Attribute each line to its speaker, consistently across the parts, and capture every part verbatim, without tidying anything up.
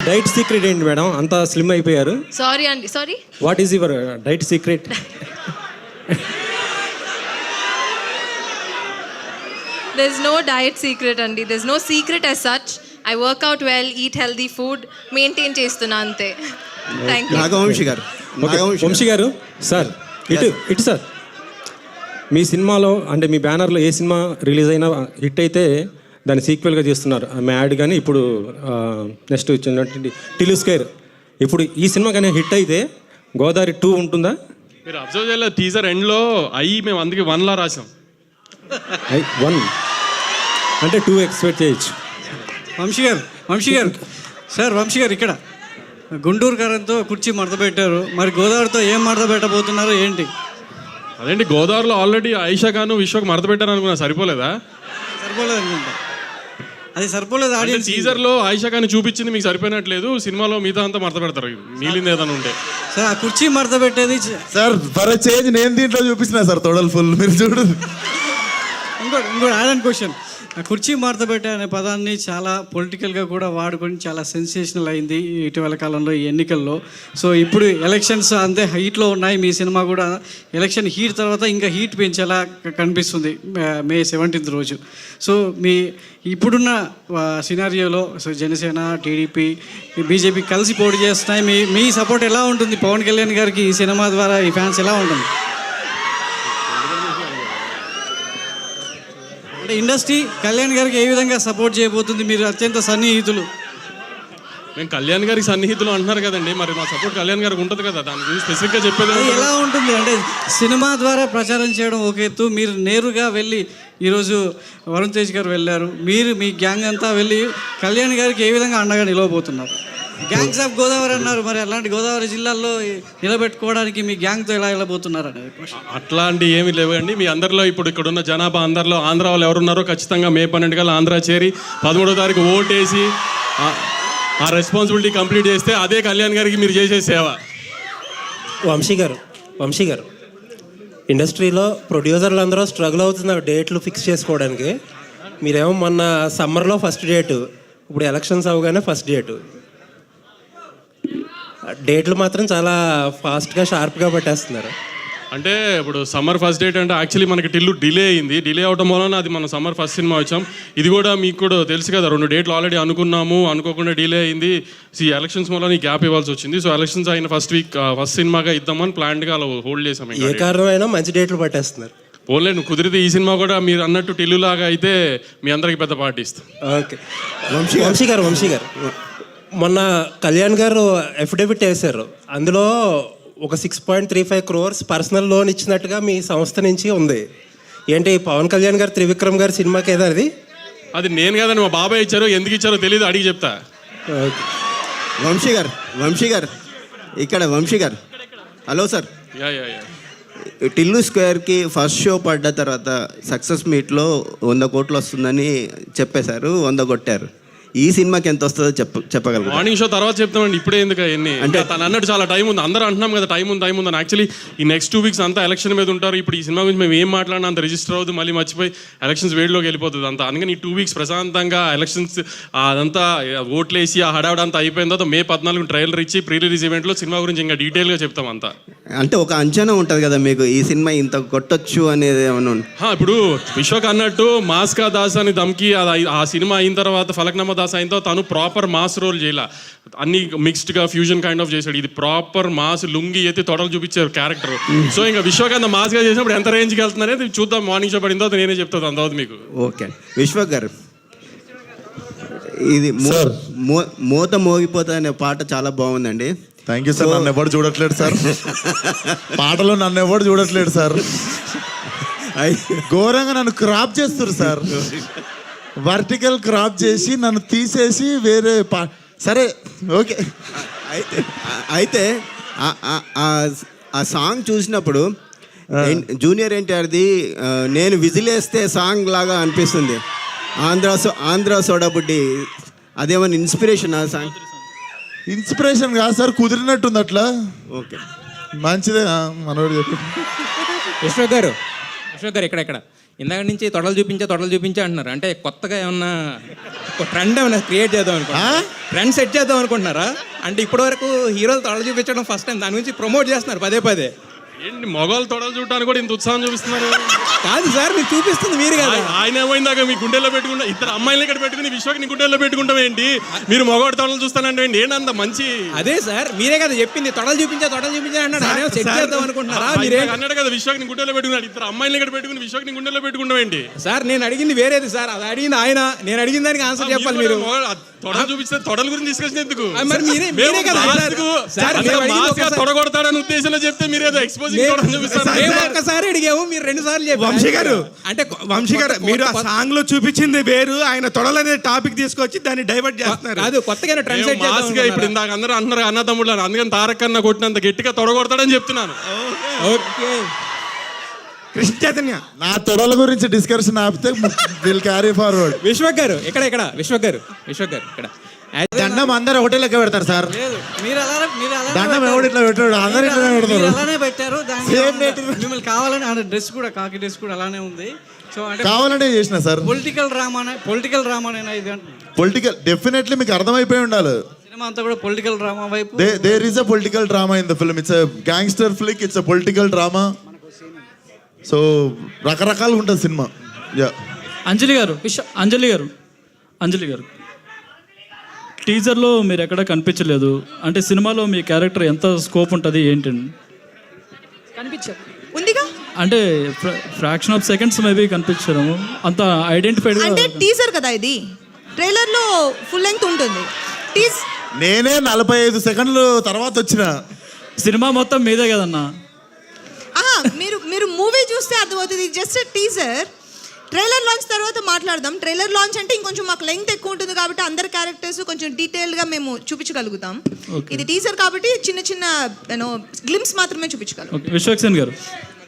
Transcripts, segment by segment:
Speaker 1: Diet secret ఏంటి madam, అంత slim అయిపోయారు?
Speaker 2: సారీ అండి, sorry.
Speaker 1: What is your diet secret?
Speaker 2: There's no diet secret అండి. There's no secret as such. I work out well, eat healthy food, maintain చేస్తున్నా అంతే. Thank you.
Speaker 3: Nagavamsi గారు,
Speaker 1: వంశీ గారు sir, ఇటు ఇటు సార్. మీ సినిమాలో అంటే మీ బ్యానర్లో ఏ సినిమా రిలీజ్ అయినా హిట్ అయితే దాన్ని సీక్వెల్గా చేస్తున్నారు. ఆమె యాడ్ కానీ ఇప్పుడు నెక్స్ట్ వచ్చినటువంటి టిలు స్క్వేర్. ఇప్పుడు ఈ సినిమా కానీ హిట్ అయితే గోదావరి టూ ఉంటుందా?
Speaker 4: మీరు అబ్జర్వ్ చేయలేదు, టీజర్ ఎండ్లో అయ్యి మేము అందుకే వన్లా రాసాం.
Speaker 1: ఐ వన్ అంటే టూ ఎక్స్పెక్ట్ చేయొచ్చు.
Speaker 5: వంశీ గారు, వంశీ గారు సార్, వంశీ గారు ఇక్కడ గుంటూరు కారంతో కుర్చీ మడత పెట్టారు, మరి గోదావరితో ఏం మడత పెట్టబోతున్నారు ఏంటి?
Speaker 4: అదేంటి, గోదావరిలో ఆల్రెడీ ఆయిషా ఖాన్ విశ్వకు మడత పెట్టాను అనుకున్నా, సరిపోలేదా?
Speaker 5: సరిపోలేదు అనుకుంటా, అది సరిపోలేదు. ఆడియన్స్
Speaker 4: టీజర్లో ఆయిషా ఖాన్ చూపించింది మీకు సరిపోయినట్లేదు, సినిమాలో మిగతా అంతా మడత పెడతారు, మిగిలింది ఏదైనా ఉంటే.
Speaker 5: సార్ ఆ కుర్చీ మడత పెట్టేది
Speaker 3: సార్ ఫర్ చేంజ్ నేను దీంట్లో చూపిస్తున్నా సార్, తొడలు ఫుల్ మీరు చూడు.
Speaker 5: ఇంకోటి ఇంకోటి ఆడని క్వశ్చన్, ఆ కుర్చీ మడత పెట్టే అనే పదాన్ని చాలా పొలిటికల్గా కూడా వాడుకొని చాలా సెన్సేషనల్ అయింది ఇటీవల కాలంలో ఈ ఎన్నికల్లో. సో ఇప్పుడు ఎలక్షన్స్ అంతే హీట్లో ఉన్నాయి, మీ సినిమా కూడా ఎలక్షన్ హీట్ తర్వాత ఇంకా హీట్ పెంచేలా కనిపిస్తుంది మే సెవెంటీన్త్ రోజు. సో మీ ఇప్పుడున్న సినారియోలో సో జనసేన, టీడీపీ, బీజేపీ కలిసి పోటీ చేస్తున్నాయి, మీ మీ సపోర్ట్ ఎలా ఉంటుంది పవన్ కళ్యాణ్ గారికి ఈ సినిమా ద్వారా, ఈ ఫ్యాన్స్ ఎలా ఉంటుంది? అంటే ఇండస్ట్రీ కళ్యాణ్ గారికి ఏ విధంగా సపోర్ట్ చేయబోతుంది? మీరు అత్యంత సన్నిహితులు.
Speaker 4: మేము కళ్యాణ్ గారికి సన్నిహితులు అంటున్నారు కదండి, మరి మా సపోర్ట్ కళ్యాణ్ గారికి ఉంటుంది కదా, దాని గురించి స్పెసిఫిక్గా చెప్పేది
Speaker 5: ఎలా ఉంటుంది అంటే సినిమా ద్వారా ప్రచారం చేయడం ఒక ఎత్తు, మీరు నేరుగా వెళ్ళి ఈరోజు వరుణ్ తేజ్ గారు వెళ్ళారు, మీరు మీ గ్యాంగ్ అంతా వెళ్ళి కళ్యాణ్ గారికి ఏ విధంగా అండగా నిలవబోతున్నారు? గ్యాంగ్స్ ఆఫ్ గోదావరి అన్నారు, మరి అలాంటి గోదావరి జిల్లాల్లో నిలబెట్టుకోవడానికి మీ గ్యాంగ్తో ఎలా వెళ్ళబోతున్నారు అనేది క్వశ్చన్.
Speaker 4: అట్లాంటి ఏమి లేవండి. మీ అందరిలో ఇప్పుడు ఇక్కడ ఉన్న జనాభా అందరిలో ఆంధ్ర వాళ్ళు ఎవరున్నారో ఖచ్చితంగా మే పన్నెండు కల్లా ఆంధ్ర చేరి పదమూడో తారీఖు ఓటేసి ఆ రెస్పాన్సిబిలిటీ కంప్లీట్ చేస్తే అదే కళ్యాణ్ గారికి మీరు చేసే సేవ.
Speaker 6: వంశీ గారు, వంశీ గారు ఇండస్ట్రీలో ప్రొడ్యూసర్లు అందరూ స్ట్రగుల్ అవుతున్నారు డేట్లు ఫిక్స్ చేసుకోవడానికి. మీరేమో మొన్న సమ్మర్లో ఫస్ట్ డేటు, ఇప్పుడు ఎలక్షన్స్ అవగానే ఫస్ట్ డేటు. డేట్లు మాత్రం చాలా ఫాస్ట్గా షార్ప్గా పెట్టేస్తున్నారు.
Speaker 4: అంటే ఇప్పుడు సమ్మర్ ఫస్ట్ డేట్ అంటే యాక్చువల్లీ మనకి టిల్లు డిలే అయింది, డిలే అవడం వలన అది మనం సమ్మర్ ఫస్ట్ సినిమా వచ్చాం. ఇది కూడా మీకు కూడా తెలుసు కదా, రెండు డేట్లు ఆల్రెడీ అనుకున్నాము, అనుకోకుండా డిలే అయింది. ఈ ఎలక్షన్స్ వల్ల ఈ గ్యాప్ ఇవ్వాల్సి వచ్చింది. సో ఎలక్షన్స్ అయిన ఫస్ట్ వీక్ ఫస్ట్ సినిమాగా ఇద్దామని ప్లాన్గా అలా హోల్డ్ చేసాం.
Speaker 6: ఏ కారణమైనా మంచి డేట్లు పట్టేస్తున్నారు.
Speaker 4: పోన్లే, నువ్వు కుదిరితే ఈ సినిమా కూడా మీరు అన్నట్టు టిల్లు లాగా అయితే మీ అందరికి పెద్ద పార్టీ ఇస్తాం.
Speaker 6: ఓకే వంశీ వంశీ గారు వంశీ గారు మొన్న కళ్యాణ్ గారు అఫిడవిట్ వేశారు, అందులో ఒక six point three five crores personal loan ఇచ్చినట్టుగా మీ సంస్థ నుంచి ఉంది. ఏంటి పవన్ కళ్యాణ్ గారు త్రివిక్రమ్ గారి సినిమాకి ఏదో అది?
Speaker 4: అది నేను కదండి, మా బాబాయ్ ఇచ్చారో ఎందుకు ఇచ్చారో తెలియదు, అడిగి చెప్తా.
Speaker 3: వంశీ గారు, వంశీ గారు ఇక్కడ వంశీ గారు, hello sir.
Speaker 4: Yeah yeah yeah
Speaker 3: Tillu స్క్వేర్కి ఫస్ట్ షో పడ్డ తర్వాత సక్సెస్ మీట్లో వంద కోట్లు వస్తుందని చెప్పేశారు, వంద కొట్టారు. ఈ సినిమాకి ఎంత వస్తుందో చెప్ప చెప్పగలరు?
Speaker 4: మార్నింగ్ షో తర్వాత చెప్తామండి, ఇప్పుడే ఎందుకు అవన్నీ? అంటే తను అన్నట్టు చాలా టైం ఉంది, అందరూ అంటున్నాం కదా టైం ఉంది టైం ఉంది అని. యాక్చువల్లీ ఈ నెక్స్ట్ టూ వీక్స్ అంతా ఎలక్షన్ మీద ఉంటారు. ఇప్పుడు ఈ సినిమా గురించి మేము ఏం మాట్లాడినా అంత రిజిస్టర్ అవుతుంది, మళ్ళీ మర్చిపోయి ఎలక్షన్స్ వేడిలోకి వెళ్ళిపోతుంది అంతా. అందుకని ఈ టూ వీక్స్ ప్రశాంతంగా ఎలక్షన్స్ అదంతా ఓట్లేసి ఆ హడావిడ అంతా అయిపోయిన తర్వాత మే పద్నాలుగు ట్రైలర్ ఇచ్చి ప్రీ రిలీజ్ ఈవెంట్లో సినిమా గురించి ఇంకా డీటెయిల్గా చెప్తాం అంతా.
Speaker 3: అంటే ఒక అంచనా ఉంటుంది కదా మీకు, ఈ సినిమా ఇంత కొట్టొచ్చు అనేది ఏమైనా?
Speaker 4: ఇప్పుడు విశ్వక్ అన్నట్టు మాస్కా దాస్ అని దమ్కి ఆ సినిమా అయిన తర్వాత ఫలక్నామా దాస్ అయిన తర్వాత తను ప్రాపర్ మాస్ రోల్ చేయాల, అన్ని మిక్స్డ్గా ఫ్యూజన్ కైండ్ ఆఫ్ చేశాడు. ఇది ప్రాపర్ మాస్, లుంగి అయితే తొడలు చూపించారు క్యారెక్టర్. సో ఇంకా విశ్వకాంత్ మాస్గా చేసినప్పుడు ఎంత రేంజ్కి వెళ్తుంది అనేది చూద్దాం. మార్నింగ్ షో పడిన తర్వాత నేనే చెప్తాను అంత తర్వాత మీకు.
Speaker 3: ఓకే విశ్వక్ గారు, ఇది మోత మోగిపోతా అనే పాట చాలా బాగుందండి.
Speaker 7: Thank you sir. నన్ను ఎవరు చూడట్లేదు సార్, పాటలో నన్ను ఎవరు చూడట్లేదు సార్, ఘోరంగా నన్ను క్రాప్ చేస్తారు సార్, వర్టికల్ క్రాప్ చేసి నన్ను తీసేసి వేరే పా సరే ఓకే.
Speaker 3: అయితే అయితే ఆ సాంగ్ చూసినప్పుడు జూనియర్ ఎన్టీఆర్ది నేను విజిలేస్తే సాంగ్ లాగా అనిపిస్తుంది. ఆంధ్ర ఆంధ్ర సోడా బుడ్డి అదేమన్నా ఇన్స్పిరేషన్ ఆ సాంగ్?
Speaker 7: ఇన్స్పిరేషన్ కాదు సార్, కుదిరినట్టుంది అట్లా.
Speaker 3: ఓకే
Speaker 7: మంచిదే మనోడు చెప్పి.
Speaker 8: విశ్వక్ గారు, విశ్వక్ గారు ఇక్కడ ఇక్కడ ఇందాక నుంచి తొడలు చూపించే తొడలు చూపించే అంటున్నారు. అంటే కొత్తగా ఏమన్నా ఒక ట్రెండ్ ఏమైనా క్రియేట్ చేద్దాం అనుకుంటున్నారా? ట్రెండ్ సెట్ చేద్దాం అనుకుంటున్నారా? అంటే ఇప్పటివరకు హీరోలు తొడలు చూపించడం ఫస్ట్ టైం, దాని గురించి ప్రమోట్ చేస్తున్నారు పదే పదే.
Speaker 4: ఏంటి మగవాళ్ళు తొడలు చూడటానికి కూడా ఇంత ఉత్సాహం చూపిస్తున్నారు?
Speaker 8: కాదు సార్, మీరు చూపిస్తుంది మీరు కదా.
Speaker 4: ఆయ- ఆయన ఏమైందాక మీ గుండెల్లో పెట్టుకుంటా, ఇద్దరు అమ్మాయిలు ఇక్కడ పెట్టుకుని విశ్వకి నీ గుండెల్లో పెట్టుకుంటాం ఏంటి? మీరు మగవాడి తొడలు చూస్తానంటే ఏంటి? ఏంటంత మంచి
Speaker 8: అదే సార్, మీరే కదా చెప్పింది తొడలు చూపించే తొడలు చూపించే అన్నాడు. ఆయన సెట్ చేద్దాం అనుకుంటున్నారా
Speaker 4: ఆయన
Speaker 8: మీరే?
Speaker 4: అన్నాడు కదా విశ్వకి నీ గుండెల్లో పెట్టుకున్నాడు. ఇద్దరు అమ్మాయిలు ఇక్కడ పెట్టుకుని విశ్వకి నీ గుండెల్లో పెట్టుకుంటాం ఏంటి?
Speaker 8: సార్ నేను అడిగింది వేరేది సార్, అది అడిగింది ఆయన. నేను అడిగిన దానికి ఆన్సర్ చెప్పాలి మీరు.
Speaker 4: తొడలు చూపిస్తే తొడల గురించి డిస్కషన్ ఎందుకు?
Speaker 8: ఆ, మరి మీరే-
Speaker 4: మేము
Speaker 8: మీరే కదా
Speaker 4: మాస్కు-
Speaker 8: అడిగారు. సార్,
Speaker 4: అంత
Speaker 8: మేము అడిగింది
Speaker 4: మాస్గా
Speaker 8: ఒకసారి-
Speaker 4: తొడగొడతాడని ఉద్దేశంలో చెప్తే మీరు ఏదో ఎక్స్పోజింగ్ తొడలు చూపిస్తారు.
Speaker 8: మేము ఒక్కసారి అడిగాము, మీరు రెండు సార్లు చెప్పారు.
Speaker 9: వంశీ గారు,
Speaker 8: అంటే
Speaker 9: వంశీ గారు,
Speaker 8: కొత్త-
Speaker 9: మీరు ఆ
Speaker 8: కొత్త-
Speaker 9: సాంగ్ లో చూపించింది వేరు, ఆయన తొడలనే టాపిక్ తీసుకొచ్చి దాన్ని డైవర్ట్ చేస్తున్నారు.
Speaker 8: కాదు, కొత్తగా ట్రెండ్ సెట్ చేద్దాం
Speaker 4: మాస్గా ఇప్పుడు
Speaker 8: అనుకుంటున్నారా?
Speaker 4: ఇందాక అందరూ అంటున్నారు అన్న తమ్ముళ్ళు అని. అందుకని తారక్ అన్న కొట్టినంత గట్టిగా తొడగొడతాడని చెప్తున్నాను.
Speaker 8: ఓకే.
Speaker 9: కృష్ణ చైతన్య,
Speaker 7: నా తొడల గురించి డిస్కషన్ ఆపితే విల్ క్యారీ ఫార్వర్డ్.
Speaker 8: విశ్వక్ గారు ఇక్కడ ఇక్కడ విశ్వక్ గారు విశ్వక్ గారు ఇక్కడ
Speaker 7: దండం అందరు ఒకటే లెక్క పెడతారు సార్.
Speaker 5: లేదు, మీరు అలానే మీరు అలానే
Speaker 7: దండం
Speaker 5: పెట్టారు.
Speaker 7: ఎవడు ఇట్లా పెట్టాడు, అందరు ఇట్లా
Speaker 5: మీరు
Speaker 7: పెడతారు.
Speaker 5: అలానే పెట్టారు. దానికి
Speaker 7: Same
Speaker 5: ఏమన్నా-
Speaker 7: date.
Speaker 5: మిమ్మల్ని కావాలని ఆ డ్రెస్ కూడా, కాకి డ్రెస్ కూడా అలానే ఉంది. సో అంటే
Speaker 7: కావాలంటే చేసిన సార్.
Speaker 5: పొలిటికల్ డ్రామానే పొలిటికల్ డ్రామానేనా ఇది అంటున్నాను.
Speaker 7: పొలిటికల్ డెఫినెట్లీ మీకు అర్థమైపోయి ఉండాలి.
Speaker 5: సినిమా అంతా కూడా పొలిటికల్ డ్రామా వైపు.
Speaker 7: There is a political drama in the film. It's a gangster flick, it's a political drama. So రకరకాలుగా ఉంటుంది సినిమా. యా,
Speaker 10: అంజలి గారు, విశ్వ అంజలి గారు అంజలి గారు టీజర్లో మీరు ఎక్కడ కనిపించలేదు. అంటే సినిమాలో మీ క్యారెక్టర్ ఎంత స్కోప్ ఉంటుంది ఏంటండి?
Speaker 2: కనిపించదు ఉందిగా.
Speaker 10: అంటే ఫ్రాక్షన్ ఆఫ్ సెకండ్స్ మేబీ కనిపించడం అంత ఐడెంటిఫైడ్.
Speaker 2: అంటే టీజర్ కదా ఇది, ట్రైలర్ లో ఫుల్ లెంగ్త్ ఉంటుంది. టీజ్
Speaker 7: నేనే నలభై ఐదు సెకండ్లు తర్వాత వచ్చిన.
Speaker 10: సినిమా మొత్తం మీదే కదన్నా.
Speaker 2: మీరు మీరు మూవీ చూస్తే అర్థమవుతుంది. Just teaser. ట్రైలర్ లాంచ్ తర్వాత మాట్లాడదాం. ట్రైలర్ లాంచ్ అంటే ఇంకొంచెం మాకు లెంగ్త్ ఎక్కువ ఉంటుంది కాబట్టి అందరి క్యారెక్టర్స్ కొంచెం డీటెయిల్గా మేము చూపించగలుగుతాం. ఇది టీజర్ కాబట్టి చిన్న చిన్న యూనో గ్లిమ్స్ మాత్రమే చూపించగలం.
Speaker 10: ఓకే, విశ్వక్సేన్ గారు,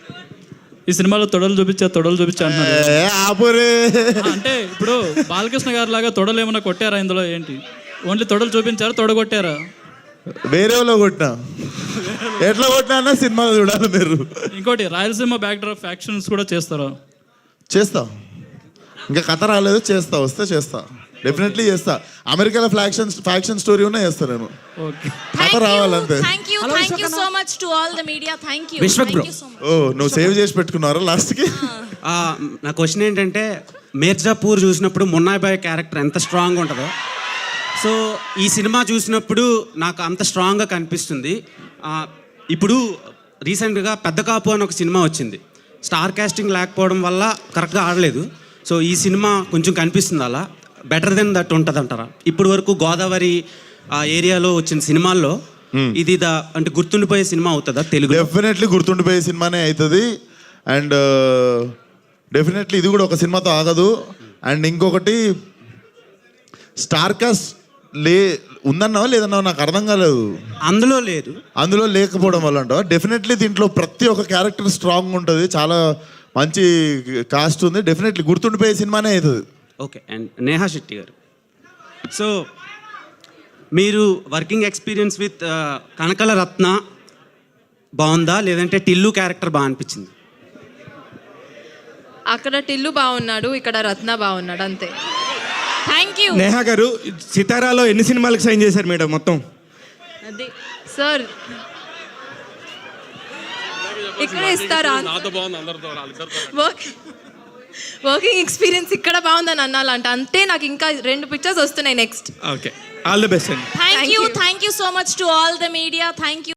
Speaker 10: ఈ సినిమాలో తొడలు చూపించా తొడలు చూపించా అంటున్నారు.
Speaker 7: ఏ, ఆపురే.
Speaker 10: అంటే ఇప్పుడు బాలకృష్ణ గారి లాగా తొడలు ఏమైనా కొట్టారా ఇందులో? ఏంటి ఓన్లీ తొడలు చూపించారా, తొడగొట్టారా?
Speaker 7: వేరేలో కొట్టినా, ఎట్లా కొట్టినా అన్న సినిమా చూడాలి మీరు.
Speaker 10: ఇంకోటి, రాయలసీమ బ్యాక్ డ్రాప్ ఫ్యాక్షన్స్ కూడా చేస్తారా?
Speaker 7: చేస్తా, ఇంకా కథ రాలేదు, చేస్తా, వస్తే చేస్తా, డెఫినెట్లీ చేస్తా. అమెరికాలో ఫ్యాక్షన్ ఫ్యాక్షన్ స్టోరీ ఉన్నా చేస్తా నేను.
Speaker 10: ఓకే.
Speaker 7: కథ రావాలంతే.
Speaker 11: Thank you, thank you so much to all the media. Thank you.
Speaker 9: Vishwak bro.
Speaker 11: Thank you so much.
Speaker 7: ఓ, నువ్వు సేవ్ చేసి పెట్టుకున్నారా లాస్ట్కి?
Speaker 12: ఆ, నా క్వశ్చన్ ఏంటంటే, మిర్జాపూర్ చూసినప్పుడు మున్నాయ్ బాయ్ క్యారెక్టర్ ఎంత స్ట్రాంగ్ ఉంటుందో, సో ఈ సినిమా చూసినప్పుడు నాకు అంత స్ట్రాంగ్గా కనిపిస్తుంది. ఆ, ఇప్పుడు రీసెంట్గా పెద్ద కాపు అని ఒక సినిమా వచ్చింది. స్టార్ కాస్టింగ్ లేకపోవడం వల్ల కరెక్ట్గా ఆడలేదు. సో ఈ సినిమా కొంచెం కనిపిస్తుంది అలా బెటర్ దెన్ దట్ ఉంటుంది అంటారా? ఇప్పటి వరకు గోదావరి ఆ ఏరియాలో వచ్చిన సినిమాల్లో ఇది ద అంటే గుర్తుండిపోయే సినిమా అవుతుందా తెలుగు?
Speaker 7: డెఫినెట్లీ గుర్తుండిపోయే సినిమానే అవుతుంది. అండ్ డెఫినెట్లీ ఇది కూడా ఒక సినిమాతో ఆగదు. అండ్ ఇంకొకటి, స్టార్ కాస్ట్ లే ఉందన్నావా లేదన్నావా నాకు అర్థం కాలేదు.
Speaker 12: అందులో లేదు,
Speaker 7: అందులో లేకపోవడం వల్ల అంటావా? డెఫినెట్లీ దీంట్లో ప్రతి ఒక్క క్యారెక్టర్ స్ట్రాంగ్ ఉంటుంది, చాలా మంచి కాస్ట్ ఉంది. డెఫినెట్లీ గుర్తుండిపోయే సినిమానే అవుతుంది.
Speaker 12: ఓకే. అండ్ నేహా శెట్టి గారు, సో మీరు working experience with Kanakala Ratna బాగుందా, లేదంటే టిల్లు క్యారెక్టర్ బాగా అనిపించింది?
Speaker 2: అక్కడ టిల్లు బాగున్నాడు, ఇక్కడ రత్న బాగున్నాడు, అంతే.
Speaker 11: Thank you.
Speaker 9: నేహా గారు, సితారాలో ఎన్ని సినిమాలకు సైన్ చేశారు మేడం మొత్తం?
Speaker 2: అది సార్ ఇక్కడ ఇస్తారా?
Speaker 4: నాతో బాగుంది, అందరితో వాళ్ళిద్దరితో.
Speaker 2: వర్క్ వర్కింగ్ ఎక్స్పీరియన్స్ ఇక్కడ బాగుందని అనాలంట. అంటే నాకు ఇంకా రెండు పిక్చర్స్ వస్తున్నాయి next.
Speaker 9: Okay, all the best అండి.
Speaker 11: Thank
Speaker 2: Thank
Speaker 11: you,
Speaker 2: you.
Speaker 11: thank you so much to all the media. Thank you.